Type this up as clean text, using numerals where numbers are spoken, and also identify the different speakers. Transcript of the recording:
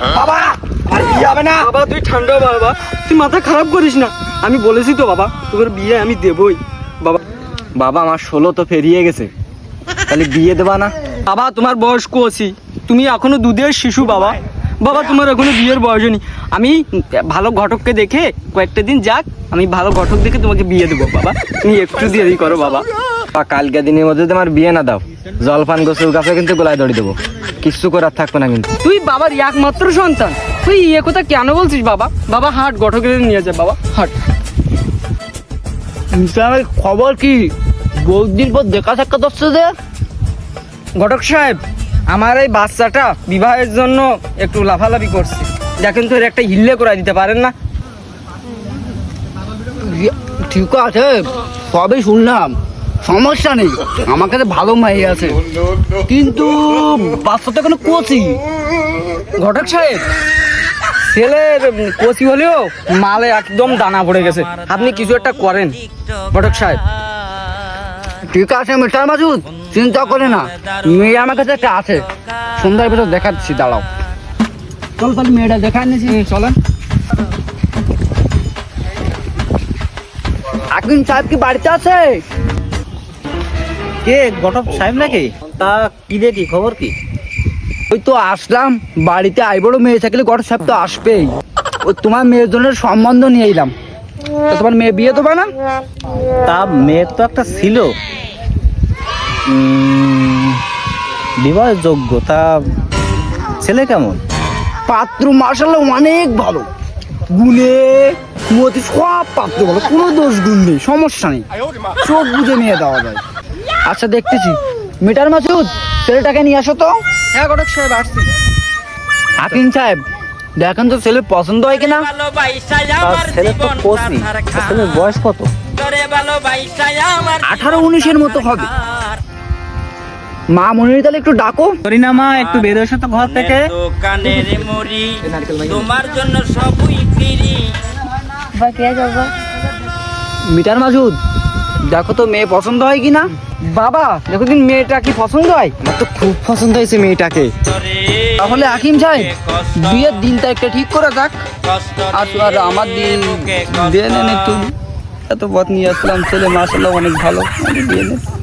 Speaker 1: বাবা আর বিয়ে হবে না।
Speaker 2: বাবা তুই ঠান্ডা বাবা, তুই মাথা খারাপ করিস না। আমি বলেছি তো বাবা, তোর বিয়ে আমি দেবই। বাবা
Speaker 1: বাবা আমার 16 তো পেরিয়ে গেছে, তাহলে বিয়ে দেবা না?
Speaker 2: বাবা তোমার বয়স কচি, তুমি এখনো দুধের শিশু বাবা। বাবা তোমার এখনো বিয়ের বয়স নেই। আমি ভালো ঘটককে দেখে কয়েকটা দিন যাক, আমি ভালো ঘটক দেখে তোমাকে বিয়ে দেবো বাবা। তুমি একটু দেরি করো বাবা।
Speaker 1: বা কালকে দিনের মধ্যে তোমার বিয়ে না দাও, জলপান গোসল গাছে কিন্তু গোলায় দড়ি দেবো, কিচ্ছু করার থাকবে না কিন্তু।
Speaker 2: তুই বাবার একমাত্র সন্তান, তুই এ কথা কেন বলছিস বাবা? বাবা হাট, ঘটকের নিয়ে যা বাবা, হাট।
Speaker 3: খবর কি? বহুদিন পর দেখা সাক্ষাৎ হচ্ছে যে।
Speaker 2: ঘটক সাহেব, আমার এই বাচ্চাটা বিবাহের জন্য একটু লাফালাফি করছে, দেখেন তো এর একটা হিল্লে করে দিতে পারেন না?
Speaker 3: ঠিক আছে, সবই শুনলাম, সমস্যা নেই, আমার কাছে ভালো মাই আছে, কিন্তু বাচ্চাটা কোনো কোচি।
Speaker 2: ঘটক সাহেব, ছেলের কচি হলেও মালে একদম দানা পড়ে গেছে, আপনি কিছু একটা করেন ঘটক সাহেব।
Speaker 3: ঠিক আছে মিস্টার মাসুদ, চিন্তা করে না, মেয়ে আমার কাছে একটা আছে, সন্ধ্যার ভিতর দেখাচ্ছি, দাঁড়াও। চল তাহলে মেয়েটা দেখা নিয়েছি, চলেন। আকিম সাহেব কি বাড়িতে আছে?
Speaker 4: কে ঘটক সাহেব নাকি? তা কি দেখি, খবর কি?
Speaker 3: ওই তো আসলাম, বাড়িতে আইবড় মেয়ে থাকলে ঘটক সাহেব তো আসবেই। ওই তোমার মেয়ের জন্য সম্বন্ধ নিয়ে এলাম, তো তোমার মেয়ে বিয়ে দেবা না?
Speaker 4: তা মেয়ের তো একটা ছিল বিবাহের যোগ্য, তা ছেলে কেমন?
Speaker 3: পাত্র মার্শাল্লাহ অনেক ভালো, গুণে মতি সব পাত্র ভালো, কোনো দোষ গুণ নেই, সমস্যা নেই, চোখ বুঝে নিয়ে দেওয়া যায়। আচ্ছা দেখতেছি, মিটার মাসুদ ছেলেটাকে নিয়ে আসো তো।
Speaker 2: হ্যাঁ ঘটক সাহেব আসছি।
Speaker 3: হাকিম সাহেব দেখেন তো ছেলে পছন্দ হয় কিনা।
Speaker 4: তার ছেলে তো কোচি, ছেলের বয়স কত?
Speaker 3: 18-19-এর মতো হবে। মা মনির তাহলে একটু ডাকো।
Speaker 4: করিনা মা, একটু বের এসো তো ঘর থেকে।
Speaker 5: দোকানের মরি তোমার জন্য সবই ফিরি।
Speaker 3: মিটার মাসুদ দেখো তো মেয়ে পছন্দ হয় কিনা।
Speaker 2: বাবা দেখো দিন মেয়েটা কি পছন্দ হয়?
Speaker 1: আমার তো খুব পছন্দ হয়েছে মেয়েটাকে।
Speaker 3: তাহলে হাকিম সাহেব বিয়ের দিন তারিখটা ঠিক করে যাক। আর আমার দিন দিয়ে নেন একটু, এত পথ নিয়ে আসলাম, ছেলে মাসাল্লাহ অনেক ভালো, দিয়ে নেন।